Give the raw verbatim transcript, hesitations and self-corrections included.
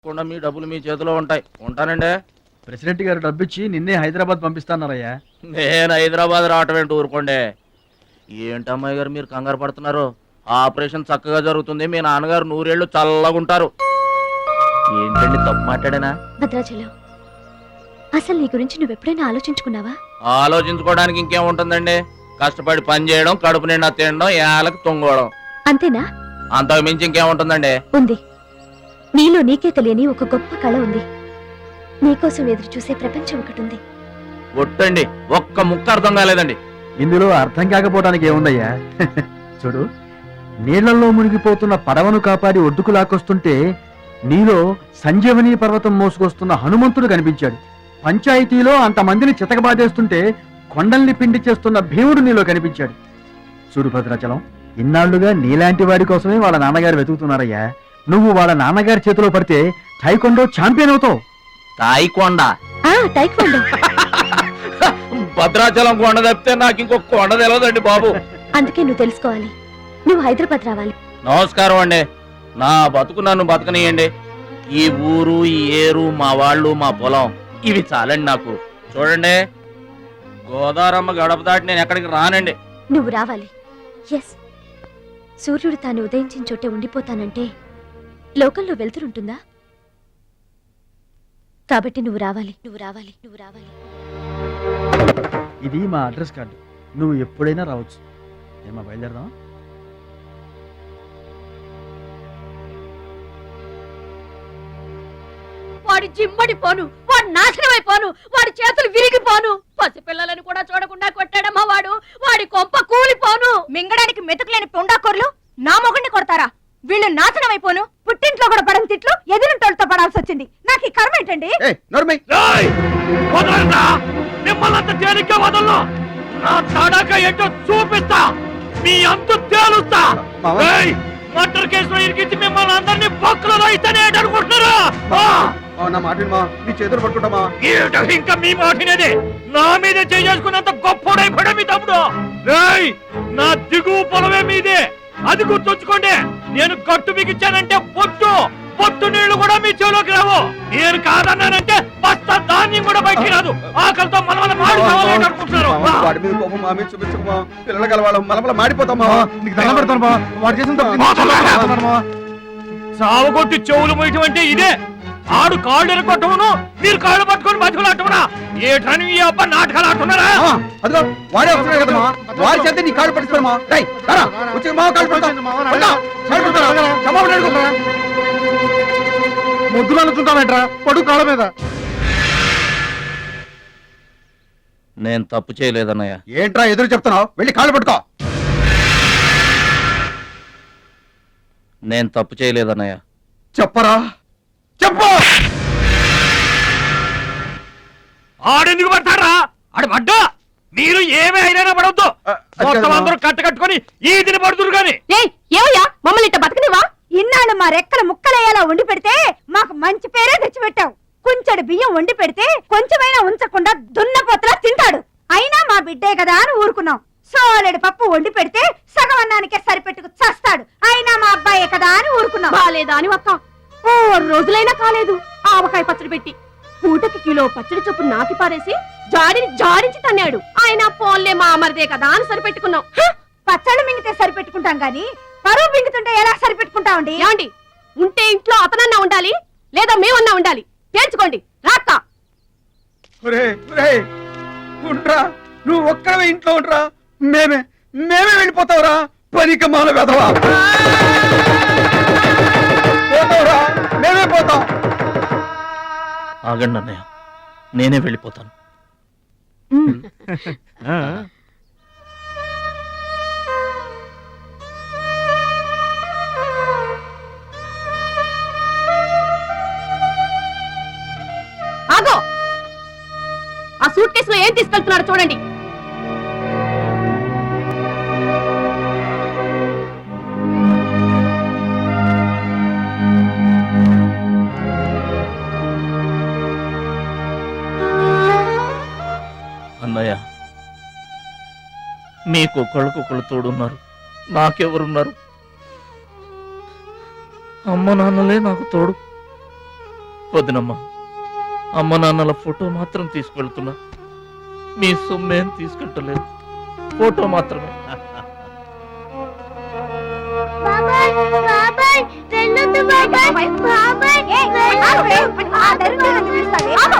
తప్పకుండా మీ డబ్బులు మీ చేతిలో ఉంటాయి. ఉంటానండి. ప్రెసిడెంట్ గారు డబ్బిచ్చి నిన్నే హైదరాబాద్ పంపిస్తాన్నారయ్యా. నేను హైదరాబాద్ రావటం ఏంటి, ఊరుకోండి. ఏంటమ్మాయి గారు మీరు కంగారు పడుతున్నారు? ఆపరేషన్ చక్కగా జరుగుతుంది. మీ నాన్నగారు నూరేళ్లు చల్లగుంటారు. ఏంటండి తప్పు మాట్లాడానా? భద్రాచలం, అసలు నీ గురించి నువ్వెప్పుడైనా ఆలోచించుకున్నావా? ఆలోచించుకోవడానికి ఇంకేముంటుందండి? కష్టపడి పని చేయడం, కడుపు నిండా తినడం, ఏళ్ళకి తొంగోవడం, అంతేనా? అంతకు మించి ఇంకేముంటుందండి? ఉంది. నీలో నీకే తెలియని ఒక గొప్ప కళ ఉంది. నీకోసం ఎదురు చూసే ప్రపంచం ఒకటి ఉంది. ఒట్టండి, ఒక్క ముక్క అర్థం కాలేదండి. ఇందులో అర్థం కాకపోవడానికి ఏముందయ్యా? చూడు, నీళ్లలో మునిగిపోతున్న పడవను కాపాడి ఒడ్డుకు లాక్కొస్తుంటే నీలో సంజీవని పర్వతం మోసుకొస్తున్న హనుమంతుడు కనిపించాడు. పంచాయతీలో అంతమందిని చితకబాదేస్తుంటే కొండల్ని పిండి చేస్తున్న భీముడు నీలో కనిపించాడు. చూడు భద్రాచలం, ఇన్నాళ్లుగా నీలాంటి వాడి కోసమే వాళ్ళ నాన్నగారు వెతుకుతున్నారయ్యా. నువ్వు వాళ్ళ నాన్నగారి చేతిలో పడితే టైకొండో ఛాంపియన్ అవుతావు. తాయికొండ ఆ టైక్వాండో. భద్రాచలం కొండ తప్పితే నాకు ఇంకొక కొండ తెలియదండి బాబు. అందుకే నువ్వు తెలుసుకోవాలి. నువ్వు హైదరాబాద్ రావాలి. నమస్కారం అండి. నా బతుకు నన్ను బతకనియండి. ఈ ఊరు, ఈ ఏరు, మా వాళ్ళు, మా పొలం, ఇవి చాలండి నాకు. చూడండి, గోదావరమ్మ గడప దాటి నేను ఎక్కడికి రానండి. నువ్వు రావాలి. ఎస్, సూర్యుడు తాను ఉదయించిన చోటే ఉండిపోతానంటే లోకంలో వెళ్తురుంటుందా? కాబట్టి నువ్వు రావాలి, నువ్వు రావాలి, నువ్వు రావాలి. ఇది మా అడ్రస్ కార్డు. నువ్వు ఎప్పుడైనా రావచ్చు. ఏమా బయలుదేరదాం? వాడి జిమ్మడిపోను, వాడు నాశనమైపోను, వాడి చేతులు విరిగిపోను. పసిపిల్లలను కూడా చూడకుండా కొట్టాడమ్మా వాడు. వాడి కొంప కూలిపోను. మింగడానికి మెతుకులేని పొండాకొర్లు నా మొగుడిని కొడతారా? వీళ్ళు నాశనం అయిపోను. పుట్టింట్లో కూడా పడని తిట్లు ఎదురింటోళ్ళతో పడాల్సి వచ్చింది. నాకు ఈ కర్మ ఏంటండి? మిమ్మల్ని తేలిగ్గా వదలను. నా తడక ఏంటో చూపిస్తా, మీ అంతు తేలుస్తా. మర్డర్ కేసులో ఇరికించి మిమ్మల్ని అందరినీ పక్కలో ఇస్తేనే అనుకుంటున్నారా? నా మాట నీ చేతులు పట్టుకుంటామా? ఇంకా మీ మాటినేది. నా మీద చేసుకున్నంత గొప్పడైపోయా మీ తమ్ముడు. నా దిగువ పొలమే మీదే, అది గుర్తుంచుకోండి. నేను కట్టు బిగించానంటే పొట్టు పొట్టు నీళ్లు కూడా మీ చెవులోకి రావు. నేను కాదన్నానంటే బస్తా ధాన్యం కూడా బయటికి రాదు. ఆకలితో మనమల మాడిపోవాలి అనుకుంటున్నారు. వాడి మీద కోపం మా మీద చూపించకమా? పిల్లలు కలవాళ్ళం మనమల మాడిపోతామా? నీకు దండం పెడతాను మా. వాడు చేసిన సావగొట్టి చెవులు మొయ్యటం అంటే ఇదే. ఆడు కాళ్ళు ఎరగొట్టవును, మీరు కాళ్ళు పట్టుకొని బతుకులాటమనా? ఏ టైం ఈ అబ్బా నాటకాలు ఆడుతున్నారా? అదిగో వాడే వస్తున్నాడు కదమ్మా. వాడి చేత నీ కాళ్ళు పట్టిస్తామా? వచ్చి మా కాళ్ళు పడతాం. ముద్దులు అనుకుంటామేట్రా పడు కాళ్ళ మీద. నేను తప్పు చేయలేదన్నయ్య. ఏంట్రా ఎదురు చెప్తున్నావు? వెళ్ళి కాళ్ళు పట్టుకో. నేను తప్పు చేయలేదన్నయ్య. చెప్పరా, చెప్పు. ఆడెందుకు పడతారా? ఆడు పడ్డా మీరు ఏమీ అయినా పడవద్దు. మొత్తం అందరూ కట్ట కట్టుకొని ఈ దిన పడుతురు గాని. ఏమయ్యా మమ్మల్ని ఇట్ట బతకనివా? ఇన్నాళ్ళు మా రెక్కల ముక్కలయ్యేలా వండి పెడితే మాకు మంచి పేరే తెచ్చిపెట్టావు. కొంచెడు బియ్యం వండి పెడితే కొంచెమైనా ఉంచకుండా దున్నపోతలా తింటాడు. అయినా మా బిడ్డే కదా అని ఊరుకున్నాం. సోలెడు పప్పు వండి పెడితే సగం అన్నానికే సరిపెట్టుకు చస్తాడు. అయినా మా అబ్బాయే కదా అని ఊరుకున్నాం. బాలేదా అని ఒక్క ఓ రోజులైనా కాలేదు. ఆవకాయ పచ్చడి పెట్టి పూటకి కిలో పచ్చడి చొప్పు నాకి పారేసి జాడిని జాడించి తన్నాడు. ఆయన పోన్లే మా అమరదే కదా అని సరిపెట్టుకున్నాం. పచ్చళ్ళు మింగితే సరిపెట్టుకుంటాం గాని పరువు మింగుతుంటే ఎలా సరిపెట్టుకుంటామండి? ఏమండి, ఉంటే ఇంట్లో అతనన్నా ఉండాలి, లేదా మేమన్నా ఉండాలి. తేల్చుకోండి. రాక్క నువ్వు ఒక్కడే ఇంట్లో ఉండరా. మేమే మేమే వెళ్ళిపోతావురా. పనికి మాల వెదవా. పోతావురా, మేమే పోతాం. ఆగండి అన్నయ్య, నేనే వెళ్ళిపోతాను. ఆగో, ఆ సూట్ కేసులో ఏం తీసుకెళ్తున్నారో చూడండి. అన్నయ్య, మీకు ఒకళ్ళకొకళ్ళు తోడున్నారు, నాకెవరున్నారు? అమ్మ నాన్నలే నాకు తోడు. వదినమ్మా, అమ్మ నాన్నల ఫోటో మాత్రం తీసుకువెళ్తున్నా. మీ సొమ్మేం తీసుకెళ్ళలేదు, ఫోటో మాత్రమే. బాబాయ్ బాబాయ్ వెళ్ళొద్దు బాబాయ్ బాబాయ్ ఆ దరిద్రుడిని పిలుస్తావే?